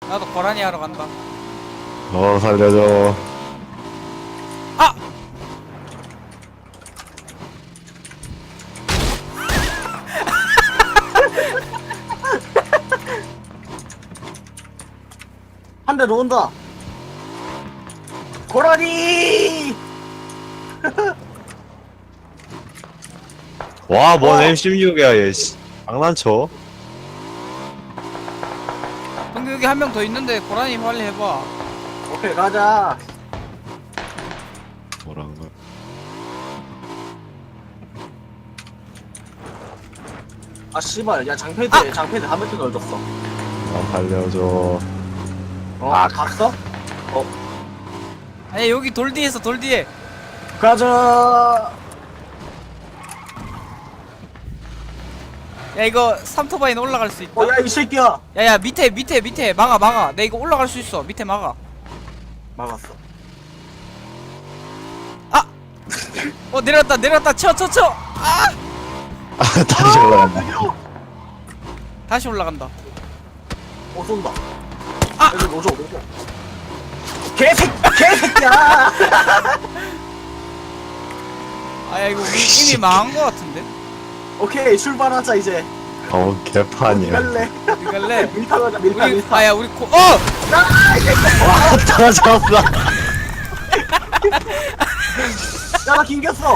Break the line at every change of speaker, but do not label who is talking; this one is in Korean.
나도 고라니 하러 간다.
살려줘.
아!
한 대 더 온다. 고라니!
와, 뭔 M16이야, 얘, 씨. 장난쳐?
근데 여기 한 명 더 있는데 고라니 빨리 해봐.
오케이, 가자.
뭐라는 거야?
아, 씨발. 야, 장패드 한 배트 넣어줬어.
살려줘.
아, 갔어?
아니 여기 돌 뒤에 있어, 돌 뒤에.
가자.
야 이거 삼토바이는 올라갈 수 있다.
야, 이 새끼야.
야야 밑에 막아. 내 이거 올라갈 수 있어. 밑에 막아.
막았어.
내려왔다. 쳐. 아!
다시 올라간다.
다시 올라간다.
쏜다.
아!
여기 노조. 개새끼야!
아야 이거 우리 이미 망한 거 같은데.
오케이, 출발하자, 이제.
개판이야.
갈래?
어디 갈래?
밀타 가자, 밀타.
아야 우리 와
와, 떨어졌어.
야, 나 긴겼어.